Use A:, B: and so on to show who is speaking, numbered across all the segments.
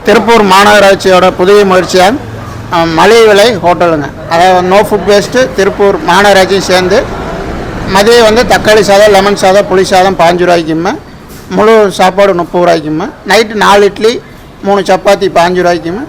A: திருப்பூர் மாநகராட்சியோட புதிய முயற்சியாக மலிவு விலை ஹோட்டலுங்க. அதாவது நோ ஃபுட் வேஸ்ட்டு திருப்பூர் மாநகராட்சியும் சேர்ந்து மதியம் வந்து தக்காளி சாதம், லெமன் சாதம், புளி சாதம் 5 ரூபாய்க்குமே, முழு சாப்பாடு 30 ரூபாய்க்குமே, நைட்டு 4 இட்லி 3 சப்பாத்தி 5 ரூபாய்க்குமே,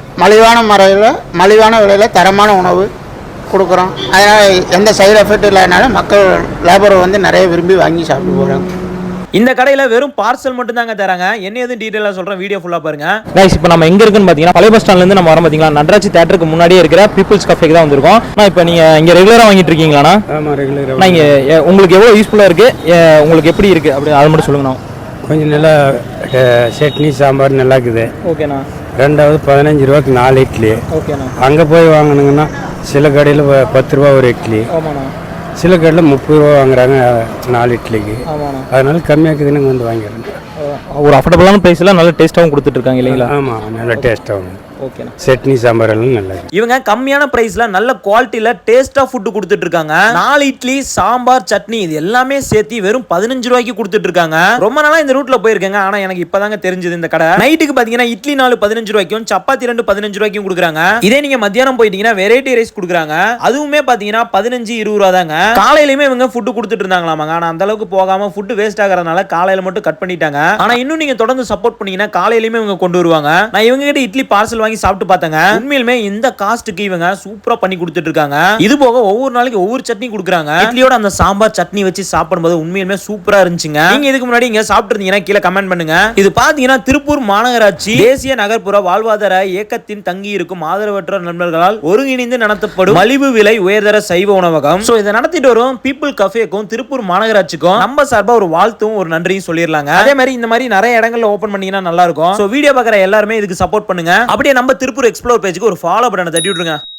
A: மலிவான விலையில் தரமான உணவு கொடுக்குறோம். அதனால் எந்த சைடு எஃபெக்ட் இல்லாதனால மக்கள் லேபரை வந்து நிறைய விரும்பி வாங்கி சாப்பிட்டு போகிறாங்க.
B: இந்த கடையில் வெறும் பார்சல் மட்டும் தாங்க தராங்க. என்ன எதுவும் டீட்டெயிலாக சொல்கிறேன், வீடியோ ஃபுல்லாக பாருங்க.
C: கைஸ், இப்போ நம்ம எங்கே இருக்குன்னு பார்த்தீங்கன்னா பழைய பஸ் ஸ்டாண்ட்லேருந்து நம்ம வரோம். பார்த்தீங்களா, நடராஜ் தியேட்டருக்கு முன்னாடியே இருக்கிற பீப்புள்ஸ் கஃபேக்கு தான் வந்திருக்கோம். நான் இப்போ நீங்கள் இங்கே ரெகுலராக வாங்கிட்டு இருக்கீங்களாண்ணா? ஆமாம், ரெகுலராக. நான் இங்கே உங்களுக்கு எவ்வளோ யூஸ்ஃபுல்லாக இருக்குது, உங்களுக்கு எப்படி இருக்குது அப்படி அதை மட்டும் சொல்லுங்கண்ணா.
D: கொஞ்சம் நல்லா சட்னி சாம்பார் நல்லா இருக்குது.
C: ஓகேண்ணா.
D: ரெண்டாவது 15 ரூபாய்க்கு 4 இட்லி.
C: ஓகேண்ணா.
D: அங்கே போய் வாங்கினீங்கன்னா சில கடையில் 10 ரூபா ஒரு இட்லி,
C: ஆமாண்ணா.
D: சில கடையில் 30 ரூபா வாங்குறாங்க 4 இட்லிக்கு.
C: ஆமாண்ணா.
D: அதனால கம்மியாக்குதுன்னு இங்கே வந்து வாங்கிடுறேன்.
C: ஒரு அஃபோர்டபுளான ப்ரைஸில் நல்ல டேஸ்ட்டாகவும் கொடுத்துட்ருக்காங்க இல்லைங்களா?
D: ஆமாம், நல்ல டேஸ்ட்டாகவும்.
C: ஓகேண்ணா.
D: சட்னி சாம்பார் எல்லாம் நல்லா.
B: இவங்க கம்மியான பிரைஸ்ல நல்ல குவாலிட்டியில டேஸ்டா ஃபுட் கொடுத்துட்டு இருக்காங்க. 4 இட்லி, சாம்பார், சட்னி இது எல்லாமே சேர்த்து வெறும் 15 ரூபாய்க்கு கொடுத்துட்டு இருக்காங்க. ரொம்ப நாளா இந்த ரூட்ல போயிருக்கேங்க. ஆனா எனக்கு இப்பதாங்க தெரிஞ்சது இந்த கடை. நைட்டுக்கு பாத்தீங்கன்னா இட்லி 4 15 ரூபாய்க்கும், சப்பாத்தி 2 15 ரூபாய்க்கும் கொடுக்குறாங்க. இதே நீங்க மத்தியானம் போயிட்டீங்கன்னா வெரைட்டி ரைஸ் கொடுக்குறாங்க. அதுவுமே பாத்தீங்கன்னா 15 20 ரூபா தாங்க. காலையிலுமே இவங்க ஃபுட் கொடுத்துட்டு இருந்தாங்களாமாங்க. ஆனா அந்த அளவுக்கு போகாம ஃபுட் வேஸ்ட் ஆகிறதுனால காலையில மட்டும் கட் பண்ணிட்டாங்க. ஆனா இன்னும் நீங்க தொடர்ந்து சப்போர்ட் பண்ணீங்கன்னா காலையிலுமே இவங்க கொண்டு வருவாங்க. நான் இவங்க கிட்ட இட்லி பார்சல் வாங்கி சாப்பிட்டு பார்த்தாங்க. உண்மையிலுமே இந்த காஸ்ட்டுக்கு இவங்க சூப்பரா பண்ணி கொடுத்துட்டு இருக்காங்க. இது போக ஒவ்வொரு நாளைக்கு ஒவ்வொரு சட்னி கொடுக்குறாங்க. இட்லியோட அந்த சாம்பார் சட்னி வச்சு சாப்பிடும்போது உண்மையிலுமே சூப்பரா இருந்துச்சுங்க. நீங்க இதுக்கு முன்னாடி இங்க சாப்பிட்டு இருந்தீங்கன்னா கீழே கமெண்ட் பண்ணுங்க. இது பாத்தீங்கன்னா திருப்பூர் மாநகராட்சி தேசிய நகர்ப்புற வாழ்வாதார இயக்கத்தின் தங்கி இருக்கும் ஆதரவற்ற நண்பர்களால் ஒருங்கிணைந்து நடத்தப்படும் மலிவு விலை உயர்தர சைவ உணவகம். சோ இதை நடத்திட்டு வரும் பீப்புள் கஃபேக்கும் திருப்பூர் மாநகராட்சிக்கும் நம்ம சார்பா ஒரு வாழ்த்தும் ஒரு நன்றியும் சொல்லிடலாங்க. அதே மாதிரி இந்த மாதிரி நிறைய இடங்கள்ல ஓபன் பண்ணீங்கன்னா நல்லா இருக்கும். சோ வீடியோ பார்க்குற எல்லாருமே இதுக்கு சப்போர்ட் பண்ணுங்க. அப்படியே நம்ம திருப்பூர் எக்ஸ்ப்ளோர் பேஜுக்கு ஒரு ஃபாலோ பட்டனை தட்டி விட்டுருங்க.